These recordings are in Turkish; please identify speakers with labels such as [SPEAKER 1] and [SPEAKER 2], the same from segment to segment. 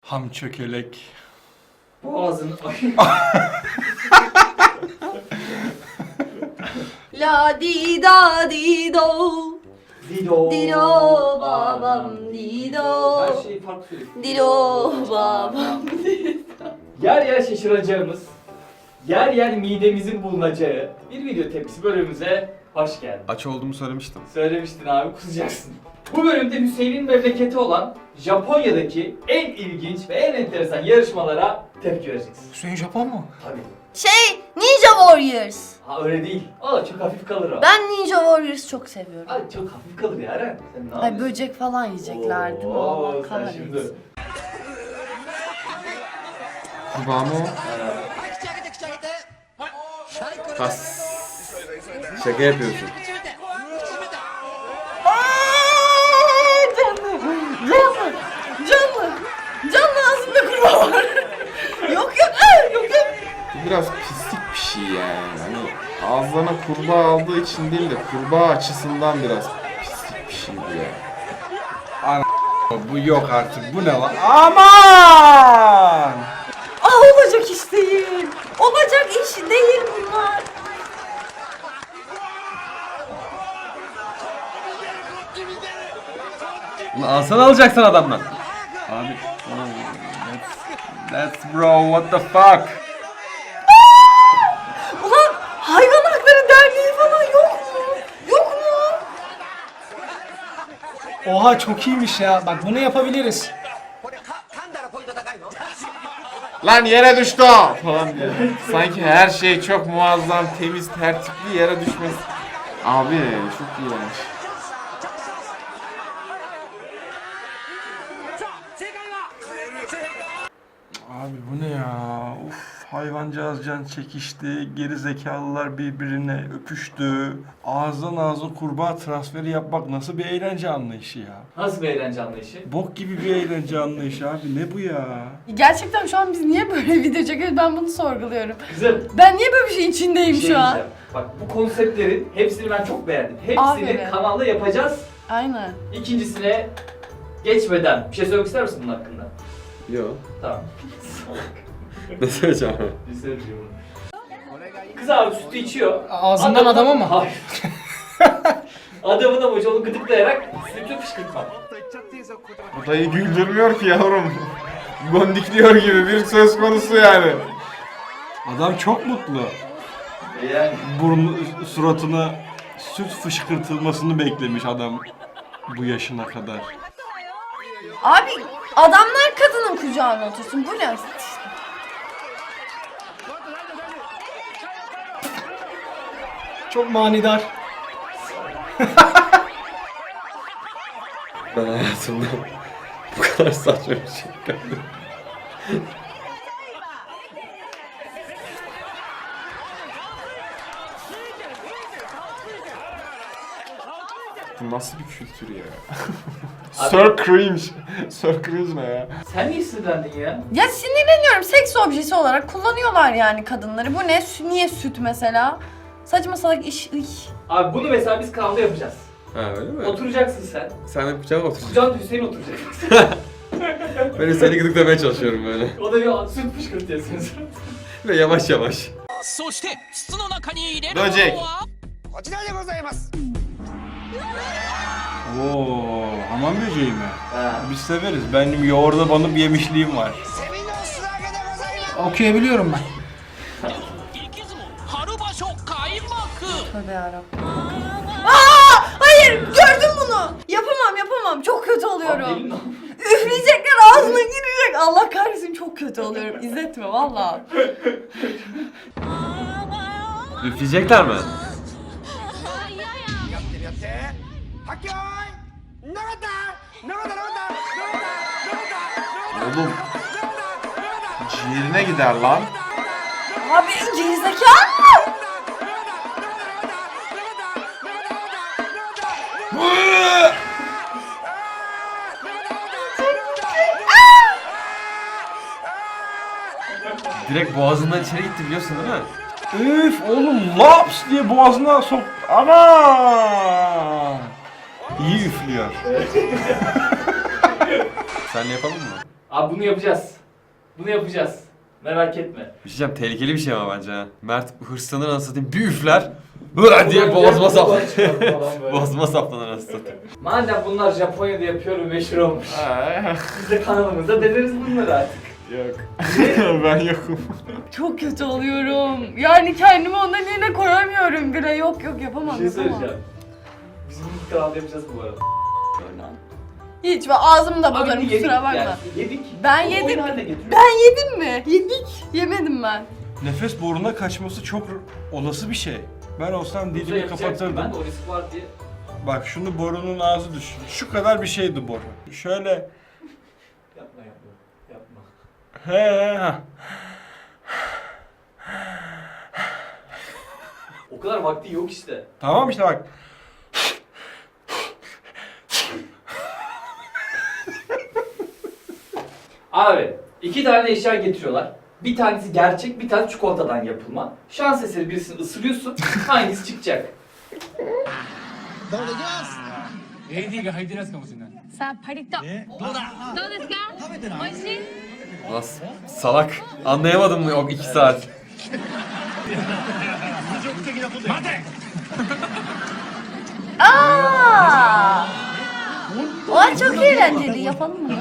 [SPEAKER 1] Ham çökelek.
[SPEAKER 2] Boğazın...
[SPEAKER 3] La di da di do.
[SPEAKER 2] Dido.
[SPEAKER 3] Dido babam dido.
[SPEAKER 2] Her şey farklı.
[SPEAKER 3] Dido babam.
[SPEAKER 2] Yer yer şaşıracağımız, yer yer midemizin bulunacağı bir video tepkisi bölümümüze hoş geldin.
[SPEAKER 1] Aç olduğumu söylemiştim.
[SPEAKER 2] Söylemiştin abi, kusacaksın. Bu bölümde Hüseyin'in memleketi olan Japonya'daki en ilginç ve en enteresan yarışmalara tepki vereceksiniz.
[SPEAKER 1] Hüseyin Japon mu?
[SPEAKER 2] Tabii.
[SPEAKER 3] Ninja Warriors.
[SPEAKER 2] Ha öyle değil. Aa çok hafif kalır o.
[SPEAKER 3] Ben Ninja Warriors çok seviyorum.
[SPEAKER 2] Ay çok hafif kalır ya Eren. Sen ne
[SPEAKER 3] Ay
[SPEAKER 2] yapıyorsun?
[SPEAKER 3] böcek falan yiyecekler değil mi?
[SPEAKER 2] Oo,
[SPEAKER 3] Allah
[SPEAKER 2] sen
[SPEAKER 3] kahretsin.
[SPEAKER 2] şimdi.
[SPEAKER 1] Kurbağa mı o? Has. Şaka yapıyorsun.
[SPEAKER 3] Canlı ağzımda kurbağa var. Yok yok.
[SPEAKER 4] Bu biraz pislik bir şey yani. Hani ağzına kurbağa aldığı için değil de kurbağa açısından biraz pislik bir şey bu ya.
[SPEAKER 1] Bu yok artık. Bu ne lan? Aman!
[SPEAKER 3] Olacak iş değil. Olacak iş değil bunlar.
[SPEAKER 1] Bunu alsan alacaksın adamdan. Abi. Let's bro, what the fuck?
[SPEAKER 3] Ulan hayvan hakları derneği falan yok mu? Yok mu?
[SPEAKER 5] Oha çok iyiymiş ya. Bak bunu yapabiliriz.
[SPEAKER 4] Lan yere düştü o! Falan diye. Sanki her şey çok muazzam, temiz, tertipli yere düşmez. Abi çok iğrenç.
[SPEAKER 1] Abi bu ne ya? Uf, hayvancağız can çekişti, geri zekalılar birbirine öpüştü. Ağızdan ağza kurbağa transferi yapmak nasıl bir eğlence anlayışı ya?
[SPEAKER 2] Nasıl bir eğlence anlayışı?
[SPEAKER 1] Bok gibi bir eğlence anlayışı abi, ne bu ya?
[SPEAKER 3] Gerçekten şu an biz niye böyle video çekiyoruz? Ben bunu sorguluyorum.
[SPEAKER 2] Kızım.
[SPEAKER 3] Ben niye böyle bir şeyin içindeyim
[SPEAKER 2] Bir şey
[SPEAKER 3] şu an?
[SPEAKER 2] diyeceğim. Bak bu konseptlerin hepsini ben çok beğendim. Hepsini
[SPEAKER 3] Aferin.
[SPEAKER 2] kanalda yapacağız.
[SPEAKER 3] Aynen.
[SPEAKER 2] İkincisine geçmeden bir şey söylemek ister misin bunun hakkında?
[SPEAKER 4] Yok.
[SPEAKER 2] Tamam.
[SPEAKER 4] Ne söyleyeceğim?
[SPEAKER 2] Bir söyleyeyim. Kız abi sütü içiyor.
[SPEAKER 5] Ağzından adama mı?
[SPEAKER 2] Hayır. Adamın amacı onu gıdıklayarak sütü fışkırtmak.
[SPEAKER 4] Bu dayı güldürmüyor ki yavrum. Gondikliyor gibi bir söz konusu yani.
[SPEAKER 1] Adam çok mutlu.
[SPEAKER 2] Yani
[SPEAKER 1] Suratına süt fışkırtılmasını beklemiş adam bu yaşına kadar.
[SPEAKER 3] Abi adamlar kadının kucağına otursun. Bu ne?
[SPEAKER 5] Çok manidar.
[SPEAKER 4] Ben hayatımda bu kadar saçma bir şey görmedim. Bu nasıl bir kültür ya? Sir cringe. Sir cringe ne ya?
[SPEAKER 2] sen niye sinirlendin ya?
[SPEAKER 3] Ya sinirleniyorum. Seks objesi olarak kullanıyorlar yani kadınları. Bu ne? Niye süt mesela? Saçma salak iş.
[SPEAKER 2] Abi bunu mesela biz kanalda yapacağız.
[SPEAKER 4] Ha öyle mi?
[SPEAKER 2] Oturacaksın sen.
[SPEAKER 4] Sen de kucağına oturacaksın.
[SPEAKER 2] Kucağında Hüseyin oturacak.
[SPEAKER 4] Ben seni gıdıklamaya çalışıyorum böyle.
[SPEAKER 2] O da bir süt fışkırtıyorsun.
[SPEAKER 4] Ve yavaş yavaş.
[SPEAKER 6] そして筒の中に入れるの
[SPEAKER 4] ロジェ
[SPEAKER 6] は
[SPEAKER 1] Oo, hamam böceği mi?
[SPEAKER 2] Ha.
[SPEAKER 1] Biz severiz. Benim yoğurda banıp yemişliğim var.
[SPEAKER 5] Okuyabiliyorum ben.
[SPEAKER 6] 激相撲春場所開幕
[SPEAKER 3] Tövbe yarabbim. Hayır gördüm bunu. Yapamam. Çok kötü oluyorum.
[SPEAKER 2] Abi benim
[SPEAKER 3] Üfleyecekler ağzıma girecek. Allah kahretsin çok kötü oluyorum. İzletme valla.
[SPEAKER 4] Üfleyecekler mi? Oğlum ciğerine gider lan.
[SPEAKER 3] Abi gerizekalı.
[SPEAKER 4] Direkt boğazından içeri gitti biliyorsun değil mi?
[SPEAKER 1] Üf oğlum laps diye boğazına sok. Ana! İyi üflüyor.
[SPEAKER 4] Sen yapalım mı?
[SPEAKER 2] Abi bunu yapacağız. Bunu yapacağız. Merak etme.
[SPEAKER 7] Bir şey diyeceğim, tehlikeli bir şey ama bence ha. Mert hırslanır anasını satayım, bir üfler. Hıra diye boğazıma saplanır. Boğazıma saplanır anasını satayım.
[SPEAKER 2] Madem bunlar Japonya'da yapıyor ve meşhur olmuş. Biz de kanalımızda deneriz bunları artık.
[SPEAKER 4] Yok. Ben yokum.
[SPEAKER 3] Çok kötü oluyorum. Yani kendimi onların yerine koyamıyorum bile. Yok yapamam.
[SPEAKER 2] Bir şey
[SPEAKER 3] yapamam.
[SPEAKER 2] söyleyeceğim. Bizim bu kanalda yapacağız bu arada.
[SPEAKER 3] Hiç ve ağzımda
[SPEAKER 2] Abi
[SPEAKER 3] bozarım
[SPEAKER 2] yedik
[SPEAKER 3] kusura bakma.
[SPEAKER 2] yani, yedik.
[SPEAKER 3] Ben
[SPEAKER 2] O
[SPEAKER 3] yedim.
[SPEAKER 2] oyun haline getiriyoruz.
[SPEAKER 3] Ben yedim mi? Yedik. Yemedim ben.
[SPEAKER 1] Nefes boruna kaçması çok olası bir şey. Ben olsam
[SPEAKER 2] Bunu da
[SPEAKER 1] dilimi
[SPEAKER 2] yapacaktım.
[SPEAKER 1] kapatırdım.
[SPEAKER 2] Ben de o risk var diye.
[SPEAKER 1] Bak şunu borunun ağzı düşün. Şu kadar bir şeydi boru. Şöyle
[SPEAKER 2] Yapma. Yapma.
[SPEAKER 1] he.
[SPEAKER 2] O kadar vakti yok işte.
[SPEAKER 1] Tamam işte bak.
[SPEAKER 2] Abi 2 tane eşya getiriyorlar. Bir tanesi gerçek, bir tanesi çikolatadan yapılma. Şans eseri birisini ısırıyorsun. Hangisi çıkacak?
[SPEAKER 8] さあパリッとどうですか美味しい
[SPEAKER 7] Nasıl? Salak. Anlayamadım mı o 2 saat?
[SPEAKER 3] Aa! Oha çok eğlenceli. Yapalım mı?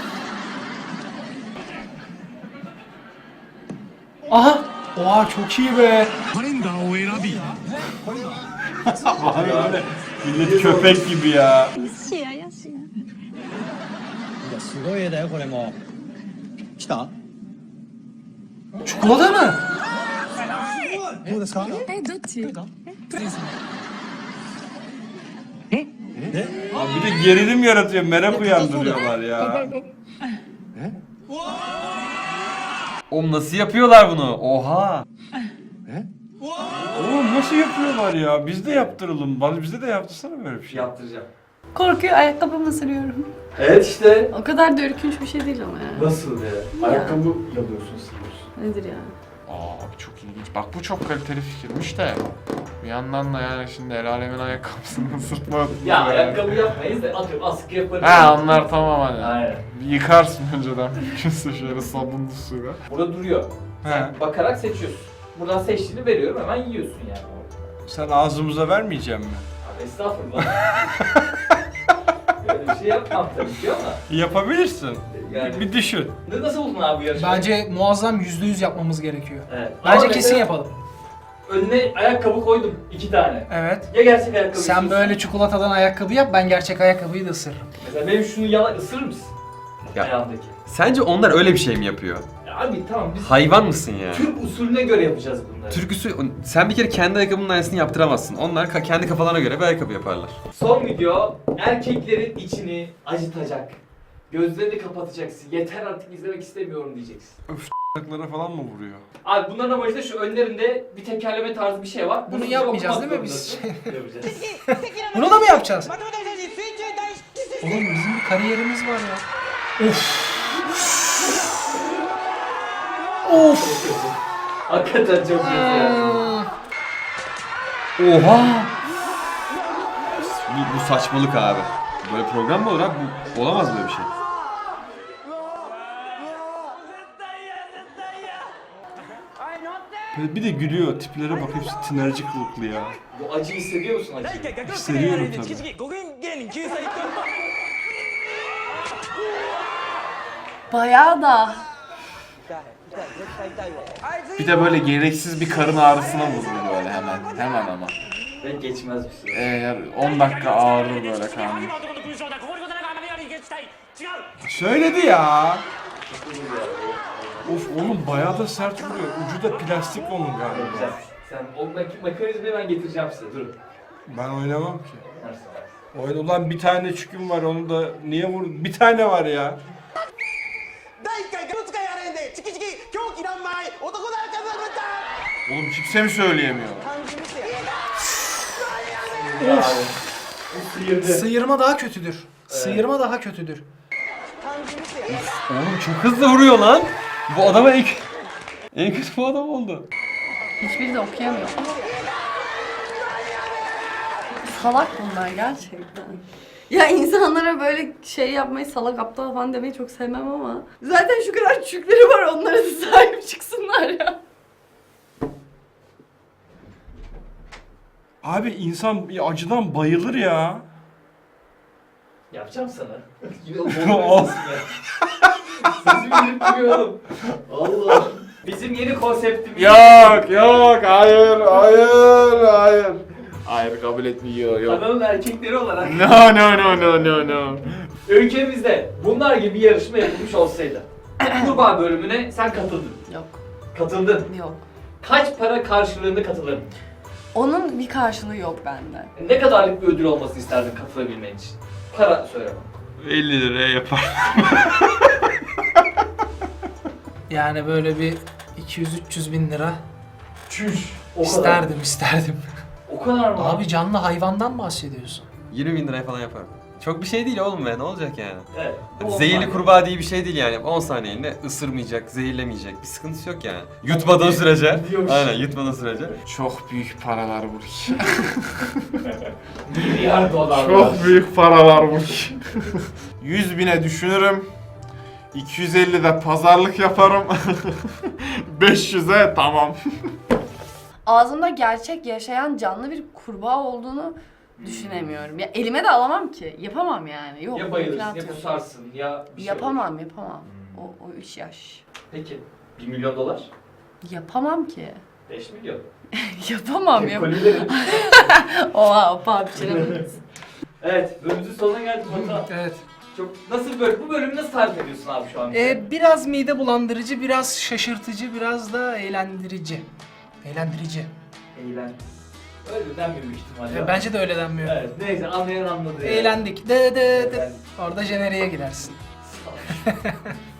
[SPEAKER 5] Aha. Oha çok iyi be.
[SPEAKER 1] Millet köpek gibi ya.
[SPEAKER 8] しややしや
[SPEAKER 9] すごい絵だよこれも来た
[SPEAKER 5] Çikolata mı?
[SPEAKER 9] どうですか
[SPEAKER 8] えどっち
[SPEAKER 1] Abi bir de gerilim yaratıyor, merak uyandırıyorlar ya.
[SPEAKER 7] Oğlum nasıl yapıyorlar bunu? Oha.
[SPEAKER 1] Oğlum nasıl yapıyorlar ya? Biz de yaptıralım. Bizde de yaptırsana böyle bir şey.
[SPEAKER 2] Yaptıracağım.
[SPEAKER 3] Korkuyor ayakkabımı ısırıyorum.
[SPEAKER 2] Evet işte.
[SPEAKER 3] O kadar da ürkünç bir şey değil ama ya.
[SPEAKER 2] Nasıl ya? Ayakkabı yalıyorsun siliyorsun.
[SPEAKER 3] Nedir ya?
[SPEAKER 4] Aa çok ilginç. Bak bu çok kaliteli fikirmiş de. Bir yandan da yani şimdi el alemin ayakkabısını ısırtma.
[SPEAKER 2] Ya
[SPEAKER 4] yani.
[SPEAKER 2] ayakkabı yapmayız da atıyorum askı yaparız.
[SPEAKER 4] Ha onlar tamam hani.
[SPEAKER 2] Aynen.
[SPEAKER 4] Bir yıkarsın önceden mümkünse şöyle sabunlu suyla.
[SPEAKER 2] Burada duruyor.
[SPEAKER 1] He.
[SPEAKER 2] Bakarak seçiyorsun. Buradan seçtiğini veriyorum hemen yiyorsun yani.
[SPEAKER 1] Sen ağzımıza vermeyecek mi?
[SPEAKER 2] Abi estağfurullah. Böyle bir şey yapmam tabii ki ama.
[SPEAKER 1] Yapabilirsin.
[SPEAKER 2] Yani.
[SPEAKER 1] Bir düşün.
[SPEAKER 2] Nasıl buldun abi bu yarışmayı?
[SPEAKER 5] Bence muazzam %100 yapmamız gerekiyor.
[SPEAKER 2] Evet.
[SPEAKER 5] Bence
[SPEAKER 2] Ama
[SPEAKER 5] kesin
[SPEAKER 2] mesela
[SPEAKER 5] yapalım.
[SPEAKER 2] Önüne ayakkabı koydum 2 tane.
[SPEAKER 5] Evet.
[SPEAKER 2] Ya gerçek ayakkabı
[SPEAKER 5] Sen
[SPEAKER 2] istiyorsun?
[SPEAKER 5] böyle çikolatadan ayakkabı yap, ben gerçek ayakkabıyı da ısırırım.
[SPEAKER 2] Mesela benim şunu yalan ısırır mısın?
[SPEAKER 7] Ya.
[SPEAKER 2] Ayağımdaki.
[SPEAKER 7] Sence onlar öyle bir şey mi yapıyor?
[SPEAKER 2] Ya abi tamam biz
[SPEAKER 7] Hayvan mısın ya?
[SPEAKER 2] Türk usulüne göre yapacağız bunları.
[SPEAKER 7] Türk usulü, sen bir kere kendi ayakkabının aynısını yaptıramazsın. Onlar kendi kafalarına göre bir ayakkabı yaparlar.
[SPEAKER 2] Son video erkeklerin içini acıtacak. Gözlerini kapatacaksın. Yeter artık izlemek istemiyorum diyeceksin.
[SPEAKER 1] Ayaklara falan mı vuruyor?
[SPEAKER 2] Abi bunların amacı da şu önlerinde bir tekerleme tarzı bir şey var.
[SPEAKER 5] Bunu
[SPEAKER 2] size
[SPEAKER 5] yapmayacağız
[SPEAKER 2] okumak
[SPEAKER 5] değil mi biz?
[SPEAKER 2] zorundasın. Yapacağız.
[SPEAKER 5] Bunu da mı yapacağız? Oğlum bizim bir kariyerimiz var ya. Of.
[SPEAKER 2] Hakikaten çok kötü ya.
[SPEAKER 7] Oha! Bu saçmalık abi. Böyle program mı olur abi? Bu, olamaz böyle bir şey.
[SPEAKER 1] Böyle bir de gülüyor. Tiplere bak hepsi tinerci kılıklı ya.
[SPEAKER 2] Bu acıyı hissediyor musun acıyı?
[SPEAKER 1] Hissediyorum tabii.
[SPEAKER 3] Bayağı da.
[SPEAKER 4] Bir de böyle gereksiz bir karın ağrısına vurur böyle hemen. Hemen ama.
[SPEAKER 2] Ve geçmez bir süre.
[SPEAKER 4] Eğer 10 dakika ağrır böyle karnı.
[SPEAKER 6] の勲章だここに来ないからより撃退違う
[SPEAKER 1] Söyledi ya. Of oğlum bayağı da sert vuruyor. Ucu da plastik onun galiba.
[SPEAKER 2] Yapacağız. Sen o mekanizmayı ben getireceğim size. Durun.
[SPEAKER 1] Ben oynamam ki.
[SPEAKER 2] Nasıl?
[SPEAKER 1] Oyun ulan bir tane çüküm var onu da niye vur? Bir tane var ya.
[SPEAKER 4] Oğlum kimse mi söyleyemiyor?
[SPEAKER 5] Sıyırma daha kötüdür. Sıyırma daha kötüdür.
[SPEAKER 7] Oğlum çok hızlı vuruyor lan. Bu adama en kötü bu adam oldu.
[SPEAKER 3] Hiçbiri de okuyamıyor. Salak bunlar gerçekten. Ya insanlara böyle şey yapmayı, salak aptal falan demeyi çok sevmem ama. Zaten şu kadar çükleri var, onlara da sahip çıksınlar ya.
[SPEAKER 1] Abi insan bir acıdan bayılır ya.
[SPEAKER 2] Yapacağım sana. Yine o bomba sesim ya. Sesim gidip duruyor oğlum. Allah. Bizim yeni konseptimiz.
[SPEAKER 4] Yok yok hayır hayır hayır. Hayır kabul etmiyor yok.
[SPEAKER 2] Kanalın erkekleri olarak
[SPEAKER 4] No no no no no no.
[SPEAKER 2] ülkemizde bunlar gibi bir yarışma yapılmış olsaydı kurbağa bölümüne sen katıldın.
[SPEAKER 3] Yok,
[SPEAKER 2] Katıldın.
[SPEAKER 3] yok.
[SPEAKER 2] Kaç para karşılığında katılırdın?
[SPEAKER 3] Onun bir karşılığı yok bende.
[SPEAKER 2] Ne kadarlık bir ödül olmasını isterdin katılabilmen için? Para söyle bana.
[SPEAKER 1] 50 liraya yapar.
[SPEAKER 5] Yani böyle bir 200-300 bin lira
[SPEAKER 2] Çüş. O kadar.
[SPEAKER 5] isterdim.
[SPEAKER 2] O kadar mı?
[SPEAKER 5] Abi canlı hayvandan bahsediyorsun.
[SPEAKER 7] 20 bin liraya falan yaparım. Çok bir şey değil oğlum be, ne olacak yani?
[SPEAKER 2] Evet. bu
[SPEAKER 7] Zehirli
[SPEAKER 2] olmaz.
[SPEAKER 7] kurbağa diye bir şey değil yani. 10 saniyeliğine ısırmayacak, zehirlemeyecek. Bir sıkıntısı yok yani. Yutmadığı sürece.
[SPEAKER 2] Gidiyormuş.
[SPEAKER 7] Aynen, yutmadığı sürece.
[SPEAKER 4] Çok büyük paralar bu.
[SPEAKER 2] Milyar dolar.
[SPEAKER 4] Çok büyük paralar bu. 100 bine düşünürüm. 250'de pazarlık yaparım. 500'e tamam.
[SPEAKER 3] Ağzımda gerçek yaşayan canlı bir kurbağa olduğunu düşünemiyorum. Ya elime de alamam ki. Yapamam yani. Yok.
[SPEAKER 2] Ya bayılırsın
[SPEAKER 3] imkanı
[SPEAKER 2] ya
[SPEAKER 3] yok.
[SPEAKER 2] kusarsın ya bir şey
[SPEAKER 3] Yapamam,
[SPEAKER 2] olur.
[SPEAKER 3] yapamam. O iş yaş.
[SPEAKER 2] Peki 1 milyon dolar?
[SPEAKER 3] Yapamam ki.
[SPEAKER 2] 5 milyon.
[SPEAKER 3] Yapamam ya.
[SPEAKER 2] Kolilerin.
[SPEAKER 3] Oha, o paha biçilemeyiz.
[SPEAKER 2] Evet, bölümümüzün sonuna geldik Batuhan.
[SPEAKER 5] Evet.
[SPEAKER 2] Çok nasıl bu bölümü nasıl tarif ediyorsun abi şu an? bize?
[SPEAKER 5] Biraz mide bulandırıcı, biraz şaşırtıcı, biraz da eğlendirici. Eğlendirici.
[SPEAKER 2] Eğlen. Öyle denmiyor büyük ihtimalle.
[SPEAKER 5] Bence de öyle denmiyor.
[SPEAKER 2] Evet, neyse anlayan anladı ya.
[SPEAKER 5] Eğlendik. De.
[SPEAKER 2] Eğlendik.
[SPEAKER 5] Orada jeneriğe gidersin.
[SPEAKER 2] Sağ ol.